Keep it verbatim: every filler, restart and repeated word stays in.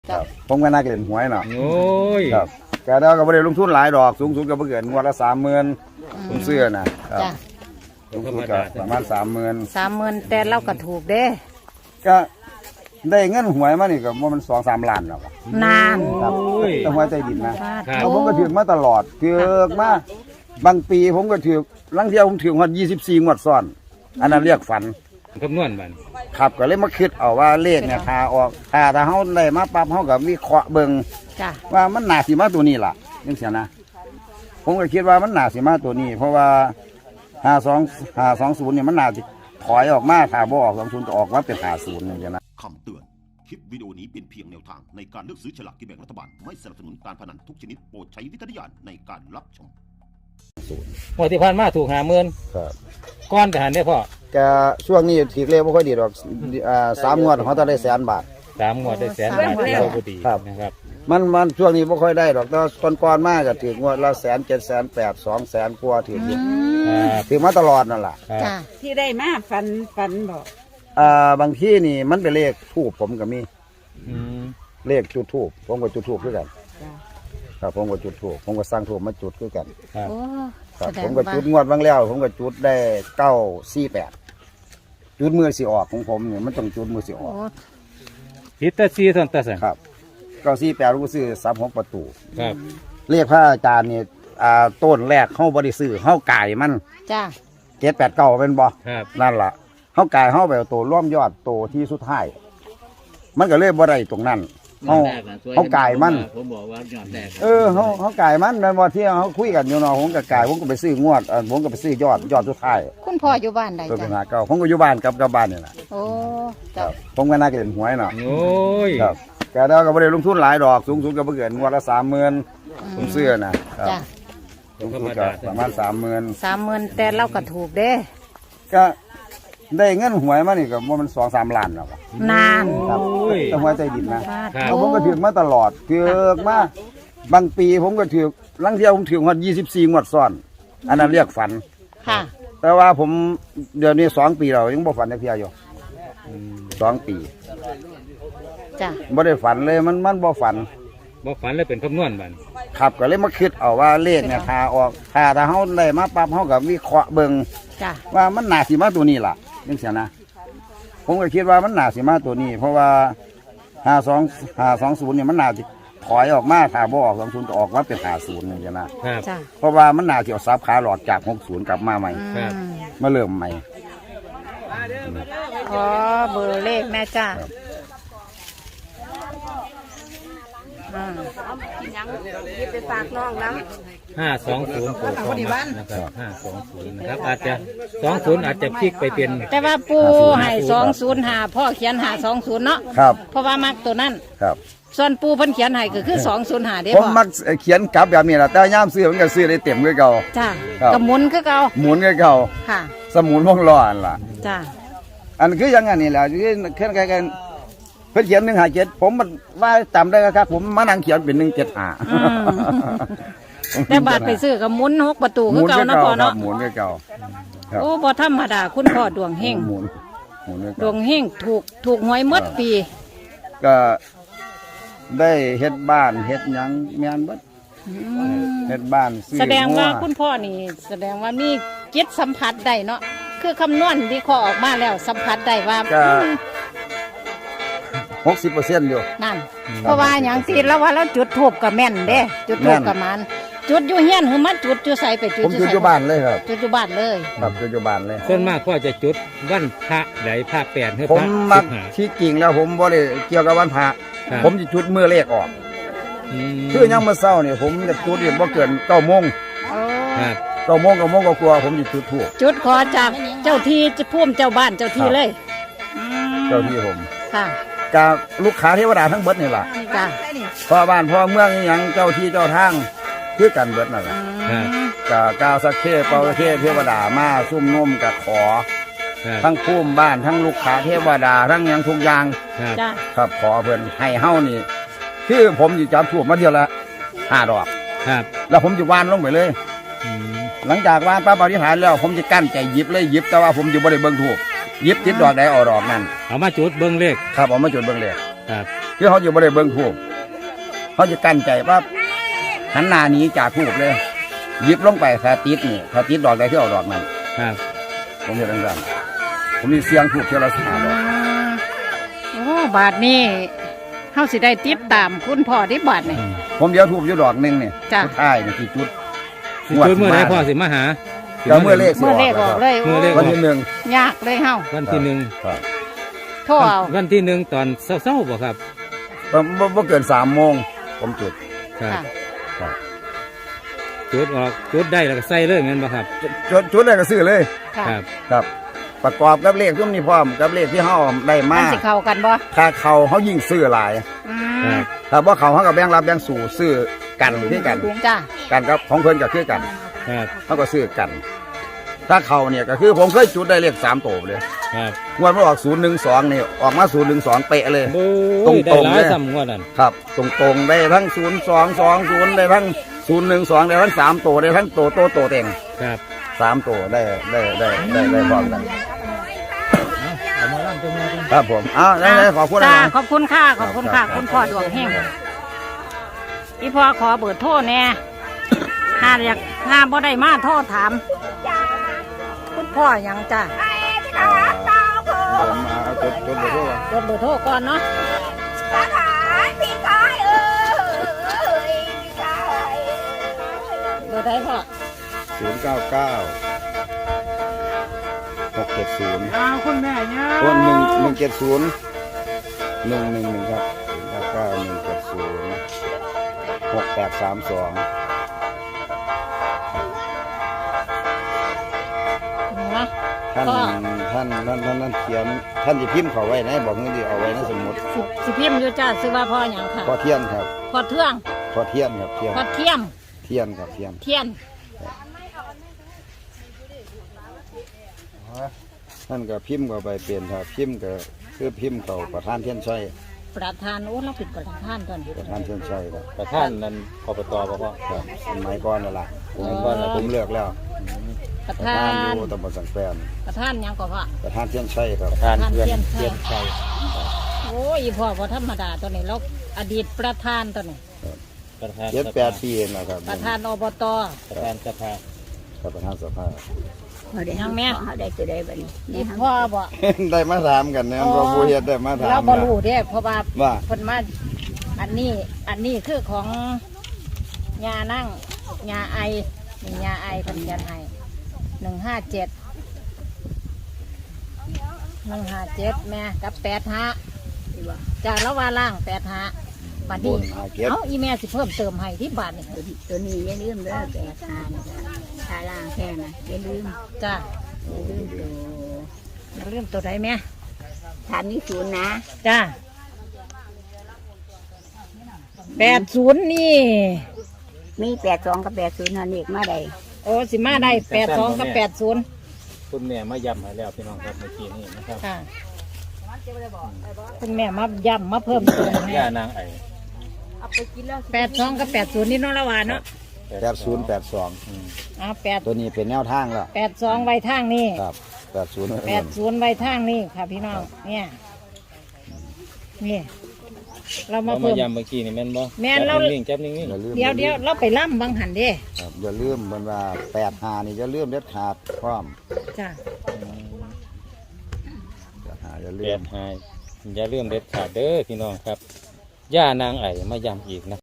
ครับผมก็น่าเล่นหวยเนาะโอ้ยครับแต่เราก็ไม่ได้ลงทุนหลายดอกสูงสุดก็เกินงวดละสามหมื่นผมเสื้อนะครับสูงสุดก็ประมาณสามหมื่นสามหมื่นแต่เราก็ถูกเด้ก็ได้เงินหวยมานี่ก็ว่ามันสองสามล้านแล้วครับนานครับต้องไว้ใจดินนะแล้วผมก็ถือมาตลอดถือมาบางปีผมก็ถือลังเที่ยวผมถือวันยี่สิบสี่งวดซ้อนอันนั้นเรียกฝันคำนวณมันครับก็เลยมาคิดเอาว่าเลขเนี่ยถ้าออกถ้าถ้าเขาได้มาปั๊บเขากับวิเคราะห์เบิ่งว่ามันหนาสีมาตัวนี้ล่ะยังเสียนะผมก็คิดว่ามันหนาสีมาตัวนี้ เพราะว่าห้าสองห้าสองศูนย์เนี่ยมันหนาถอยออกมาถ้าบ่ออกสองศูนย์ก็ออกมาเป็นห้าศูนย์อย่างเงี้ยนะคำเตือนคลิปวิดีโอนี้เป็นเพียงแนวทางในการเลือกซื้อฉลากกินแบ่งรัฐบาลไม่สนับสนุนการพนันทุกชนิดโปรดใช้วิจารณญาณในการรับชมหวยที่ผ่านมาถูกหาเมือนก้อนแต่หันได้พ่อแกช่วงนี้ถีกเร็วไม่ค่อยดีหรอกอ่าสามงวดเขาจะได้แสนบาทสามงวดได้แสนบาทที่เราพอดีนะครับมันมันช่วงนี้ไม่ค่อยได้หรอกแต่ตอนก่อนมากก็ถืองวดละแสนเจ็ดแสนแปดสองแสนกว่าถือถือมาตลอดนั่นแหละที่ได้มาฟันฟันบอกอ่าบางที่นี่มันเป็นเลขทูบผมก็มีเลขจุดทูบผมก็จุดทูบด้วยกันครับผมก็จุดทูบผมก็สร้างทูบมาจุดด้วยกันครับผมก็จุดงวดบางแล้วผมก็จุดได้เก้าสี่แปดจุดมือสีออกของผมเนี่ยมันต้องจุดมือสีออกฮิตเตอร์ซีสันเตอร์สันครับเก้าสี่แปดรู้ซื้อสามหกประตูครับเรียกพระอาจารย์เนี่ยอ่าต้นแรกเข้าบริซื้อเข้าไก่มันจ้าเจ็ดแปดเก้าเป็นบ่นั่นล่ะเข้าไก่เข้าแบบโตร่วมยอดโตที่สุดท้ายมันก็เลยบ่ได้ตรงนั้นเขาเขาไก่มันผมบอกว่ายอดแรกเออเขาเขาไก่มันในวันที่เขาคุยกันอยู่เนาะผมกับไก่ผมก็ไปซื้องวดผมก็ไปซื้อยอดยอดสุดท้ายคุณพ่ออยู่บ้านใดจ้ะเก้าผมก็อยู่บ้านกับกับบ้านนี่แหละโอ้จ้ะผมก็น่าเล่นหวยเนาะโอ้ยครับแต่เราก็ไม่ได้ลงทุนหลายดอกสูงสุดก็เกินงวดละสามหมื่นผมเสื้อนะครับสูงสุดก็ประมาณสามหมื่นสามหมื่นแต่เราก็ถูกเด้ก็ได้เงินหวยมานี่ก็ว่ามันสองสามล้านแล้วครับนานครับต้องไว้ใจดินนะแล้วผมก็ถือมาตลอดถือมาบางปีผมก็ถือลังเที่ยวผมถือวันยี่สิบสี่งวดซ้อนอันนั้นเรียกฝันค่ะแต่ว่าผมเดี๋ยวนี้สองปีเรายังบ่ฝันได้เพียอยู่สองปีจ้ะบ่ได้ฝันเลยมันมันบ่ฝันบ่ฝันเลยเป็นคำนวณมันครับก็เลยมาคิดเอาว่าเลขเนี่ยถ้าออกถ้าถ้าเขาได้มาปั๊บเขากับวิเคราะห์เบิ่งว่ามันหนาสีมาตัวนี้ล่ะยังเสียนะผมก็คิดว่ามันหนาสีมาตัวนี้เพราะว่าห้าสองห้าสองศูนย์เนี่ยมันหนาถอยออกมาถ้าบ่ออกสองศูนย์ก็ออกมาเป็นห้าศูนย์อย่างเงี้ยนะเพราะว่ามันหนาเกี่ยวซับขาหลอดจากหกศูนย์กลับมาใหม่มาเริ่มใหม่ขอเบอร์เลขแม่จ้าไปฝากน้องนะห้าสองศูนย์โปรดนะครับห้าสองศูนย์นะครับอาจจะสองศูนย์อาจจะพลิกไปเป็นแต่ว่าปูให้สองศูนย์หาพ่อเขียนหาสองศูนย์เนาะครับเพราะว่ามักตัวนั้นครับส่วนปูเพิ่นเขียนให้ก็คือสองศูนย์หาเด้ผมมักเขียนกลับแบบนี้แหละแต่ย่ามซื้อมันก็ซื้อได้เต็มคือเก่าจ้ากับหมุนคือเก่าหมุนคือเก่าค่ะสมุนวงล้ออันล่ะจ้าอันคือยังไงนี่แหละคือแค่กันกันเพิ่นเขียนหนึ่งหาเจ็ดผมมันว่าจำได้ครับผมมานั่งเขียนเป็นหนึ่งเจ็ดหาแต่บาทไปซื้อกับหมุนหกประตูคือเก่านะพ่อเนาะหมุนคือเก่าโอ้บ่ธรรมดาคุณพ่อดวงเฮงดวงเฮงถูกถูกหวยมดปีก็ได้เฮ็ดบ้านเฮ็ดหยังแม่นบัดเฮ็ดบ้านแสดงว่าคุณพ่อนี่แสดงว่ามีจิตสัมผัสได้เนาะคือคำนวณวิเคราะห์ออกมาแล้วสัมผัสได้ว่าหกสิบเปอร์เซ็นต์อยู่นั่นเพราะว่าอย่างที่แล้วว่าเราจุดทูบกับแม่นเด้จุดทูบกับมันจุดอยู่เฮียนคือมันจุดอยู่ใส่ไปจุดผมจุดอยู่บ้านเลยครับจุดอยู่บ้านเลยครับจุดอยู่บ้านเลยส่วนมากก็จะจุดวันพระใดพระแปดให้พระผมมักที่จริงแล้วผมบ่ได้เกี่ยวกับวันพระผมจะจุดเมื่อเลขออกคือยังมาเศร้าเนี่ยผมจะจุดเนี่ยบ่เกินเก้าโมงเก้าโมงเก้าโมงก็กลัวผมจะจุดทูบจุดขอจากเจ้าที่จะพุ่มเจ้าบ้านเจ้าที่เลยเจ้าที่ผมค่ะกับลูกค้าเทวดาทั้งเบิดนี่แหละพ่อบ้านพ่อเมืองยังเจ้าที่เจ้าทางคือกันเบิดนั่นแหละกับกาวสักเคเปาเทเทวดามาซุ่มนุ่มกับขอทั้งพุ่มบ้านทั้งลูกค้าเทวดาทั้งยังทุกอย่างครับขอเพิ่นให้เฮ้านี่คือผมจะจับถูกมาเดียวละห้าดอกแล้วผมจะวานลงไปเลยหลังจากวานป้าปฏิหารแล้วผมจะกั้นใจหยิบเลยหยิบแต่ว่าผมอยู่บริเวณถูกยิบติดดอกใดออกดอกนั่นเอามาจุดเบิ้งเลขครับเอามาจุดเบิ้งเลขครับคือเขาอยู่บ่ได้เบิ่งทูบเขาจะกั้นใจว่าหันหน้าหนีจากทูบเลยหยิบลงไปถ้าติดนี่ถ้าติดดอกใดที่เอาดอกนั้นครับผมเห็นดังๆผมมีเสียงทูบเท่าละห้าดอกโอ้บาทนี้เฮาสิได้ติดตามคุณพ่อที่บาทนี่ผมเดี๋ยวทูบอยู่ดอกหนึงนี่จ้ะสุดท้ายนี่ที่จุดสิจุดเมื่อไหรพ่อสิมาหาเดี๋ยวเมื่อเลขสิเมื่อเลขออกเลยเมื่อเลขวันที่หนึ่งยากเลยเฮาวันที่หนึ่งครับโทรเอาวันที่หนึ่งตอนเศร้าๆบ่ครับบ่บ่บ่เกินสามโมงผมจุดครับค่ะครับจุดออกจุดได้แล้วก็ใส่เลยงั้นบ่ครับจุดจุดได้ก็ซื้อเลยค่ะครับครับ ประกอบกับเลขทุกนี้พร้อมกับเลขที่เฮาได้มัมานสิเข้ากันบ่ถ้าเขาเฮายิ่งซื้อหลายอืครัมบถ้าบ่เขาเฮาก็แบ่งรับแบ่งสู่ซื้อกันคือกันจ้ากันกับของเพิ่นก็คือกันครับเฮาก็ซื้อกัน ถ้าเขาเนี่ยก็คือผมเคยจุดได้เลขสามตัวเลยครับงวดมันออกศูนย์หนึ่งสองนี่ออกมาศูนย์หนึ่งสองเป๊ะเลยโอ้ตรงยๆได้หลายเลยซ้ำงวดนั่นครับตรงๆได้ทั้งศูนย์สองสองศูนย์ได้ทั้งศูนย์หนึ่งสองได้ทั้งสามตัวได้ทั้งโตโตโตเต็งครับสามตัวได้ได้ได้ได้ได้พร้อมกันเอามาล่ำตรงนี้ครับผมอ้าวได้ได้ขอบคุณนะจ้าครับขอบคุณค่ะขอบคุณค่ะครับคุณพ่อดวงแห้งอีพ่อขอเบอร์โทรแน่ถ้าอยากถ้าบ่ได้มาโทรถามคุณพ่อหยังจ้าผมเอาจดจดเบอร์โทรก่อนจดเบอร์โทรก่อนเนาะเบอร์ใดพ่อศูนย์เก้าเก้าหกเจ็ดศูนย์อ้าวคุณแม่เนี่ยต้นหนึ่งหนึ่งเจ็ดศูนย์หนึ่งหนึ่งหนึ่งครับศูนย์เก้าเก้าหนึ่งเจ็ดศูนย์หกแปดสามสองนะท่านท่านท่านท่านท่านเขียนท่านจะพิมพ์เขาไว้นะบอกเงินดีเอาไว้ในสมุดสิสิพิมพ์อยู่จ้าซื้อว่าพ่อหยังค่ะพอเทียนครับพ่อเทืองพอเทียนครับเทียนพ่อเทียมเทียนครับเทียนเทียนท่านก็พิมพ์เข้าไปเปลี่ยนครับพิมพ์ก็คือพิมพ์เขาประธานเทียนชัยประธานโอ้เราผิดประธานตอนนี้ประธานเทียนชัยครับประท่านนั้นอบตบ่พ่อครับสมัยก่อนนั่นแหละผมก่อนแล้วผมเลือกแล้วประประธาธานนอยู่ตำบลสังแปนประธานหยังก็พ่อประธานเทียนชัยครับประท่านเพื่อนเทียนชัยเทียนชัยโอ้ยพ่อพอธรรมดาตัวนี้เราอดีตประธานตัวนี้ประธานเจ็ดแปดปีเองนะครับประธานอบตประธานสภาครับประธานสภายังแม่เขาได้จะได้บัดนี้อีพ่อบอกได้มาถามกันเนี่ยเราผู้เฮ็ดได้มาถามเราบรู้เด้เพราะว่าว่าคนมาอันนี้อันนี้คือของยานั่งยาไอนี่ยาไอคนยันไอหนึ่งห้าเจ็ดหนึ่งห้าเจ็ดแม่กับแปดห้าจากละว่าล่างแปดห้าบัดบนี้นหาเก็บเอาอีแม่สิเพิ่มเติมให้ที่บาทนี่ตัวนี้ตัวนี้อย่าลืมเด้อแปดทานทาล่างแค่น่ะอย่าลืมจ้าอย่าลืมตัวเริ่มตัวใดแม่ทานนี้ศูนย์นะจ้าแปดศูนย์นี่มีแปดสองกับแปดศูนย์หันอีกมาได้โอ้สิมาได้แปดสองกับแปดศูนย์คุณแม่มาย้ำให้แล้วพี่น้องครับเมื่อกี้นี่นะครับค่ะคุณแม่มาย้ำมาเพิ่มเติมให้ย่านางไอแปดสองกับแปดศูนย์นี่เน้องละวานเนาะแปดศูนย์แปดสองอ่าแปดตัวนี้เป็นแนวทางแล้วแปดสองไว้ทางนี้ครับแปดศูนย์แปดศูนย์ไว้ทางนี้ค่ะพี่น้องเนี่ยนี่เรามาเรามาเพิ่มย้ำเมื่อกี้นี่แม่นบ่แม่นเราจับนิ่งๆจับนิ่งอย่าลืมเดี๋ยวเดี๋ยวเราไปล่ำบางหันเด้ครับอย่าลืมเหมือนว่าแปดหานี่อย่าลืมเด็ดขาดพร้อมจ้าแปดหาอย่าๆลืเปลี่ยมนให้อย่าลืมเด็ดขาดเด้อพี่น้องครับย่านางไอมาย้ำอีกนะ